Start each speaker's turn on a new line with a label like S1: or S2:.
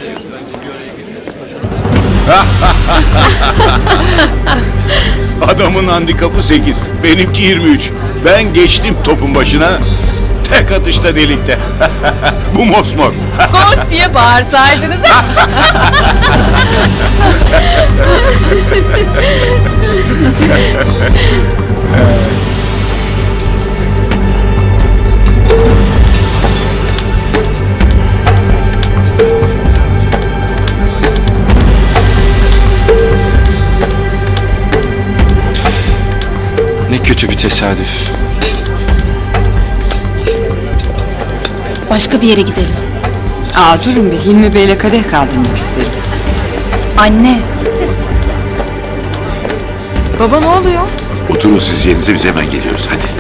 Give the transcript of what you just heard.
S1: Adamın handikapı 8, benimki 23. Ben geçtim topun başına, tek atışta delikte. Bu mosmor.
S2: Gol diye bağırsaydınız.
S3: Ne kötü bir tesadüf.
S2: Başka bir yere gidelim.
S4: Durun bir, Hilmi Bey'le kadeh kaldırmak isterim.
S2: Anne.
S4: Baba ne oluyor?
S1: Oturun siz yerinize, biz hemen geliyoruz, hadi.